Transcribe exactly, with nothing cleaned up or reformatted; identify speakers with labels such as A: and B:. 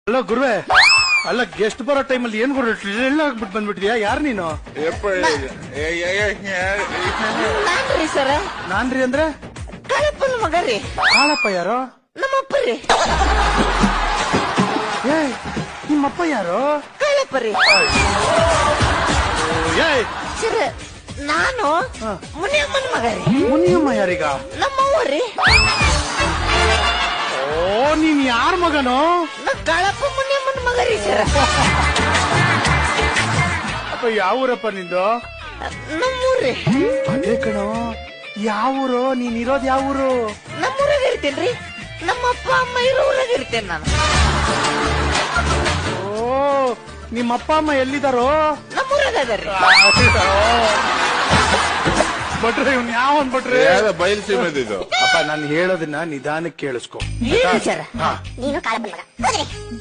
A: ಅಲ್ಲ ಗುರುವೆ, ಅಲ್ಲ ಗೆಸ್ಟ್ ಬರೋ ಟೈಮಲ್ಲಿ ಏನ್ ಗುರು ಎಲ್ಲ ಆಗ್ಬಿಟ್ಟು ಬಂದ್ಬಿಟ್ಟಿದ್ಯಾ? ಯಾರು ನೀನು?
B: ನಾನ್ರಿ ಸರ.
A: ನಾನ್ರಿ ಅಂದ್ರೆ
B: ಕಾಳಪ್ಪನ ಮಗ ರೀ.
A: ಕಾಳಪ್ಪ ಯಾರು?
B: ನಮ್ಮಪ್ಪ ರೀ.
A: ಏ ನಿಮ್ಮಪ್ಪ ಯಾರು?
B: ಕಾಳಪ್ಪ ರೀ.
A: ಏಯ್
B: ಸರ ನಾನು ಮುನಿಯಮ್ಮನ ಮಗ ರೀ.
A: ಮುನಿಯಮ್ಮ ಯಾರೀಗ?
B: ನಮ್ಮವ್ವ ರೀ.
A: ಓ ನೀನ್ ಯಾರ ಮಗನೋ?
B: ನಾ ಕಾಳಪ್ಪ ಮುನಿಯಮ್ಮನ ಮಗ ರೀ ಸರ.
A: ಅಪ್ಪ ಯಾವ ಊರಪ್ಪ ನಿಂದು?
B: ನಮ್ಮೂರ್ರಿ.
A: ಅದೇ ಕಣೋ, ಯಾವ ಊರು? ನೀನ್ ಇರೋದ್ ಯಾವ ಊರು?
B: ನಮ್ಮೂರಾಗ ಇರ್ತೇನ್ರಿ. ನಮ್ಮ ಅಪ್ಪ ಅಮ್ಮ ಇರೋ ಊರಾಗ ಇರ್ತೇನೆ ನಾನು.
A: ಓ ನಿಮ್ಮಪ್ಪ ಅಮ್ಮ ಎಲ್ಲಿದಾರೋ?
B: ನಮ್ಮೂರಾಗ ಅದಾರ್ರಿ.
A: ಬಟ್ರೆ ಇವ್ನ ಯಾವ ಅಂದ್ಬಿಟ್ರೆ
C: ಬಯಲು ಸೀಮೆ ಇದು.
A: ಅಪ್ಪ ನಾನು ಹೇಳೋದನ್ನ ನಿಧಾನಕ್ಕೆ ಕೇಳಿಸ್ಕೊ.
B: ಹೇಳಿ ಸರ.
D: ನೀನು ಕಾಳಪ್ಪನ ಮಗ.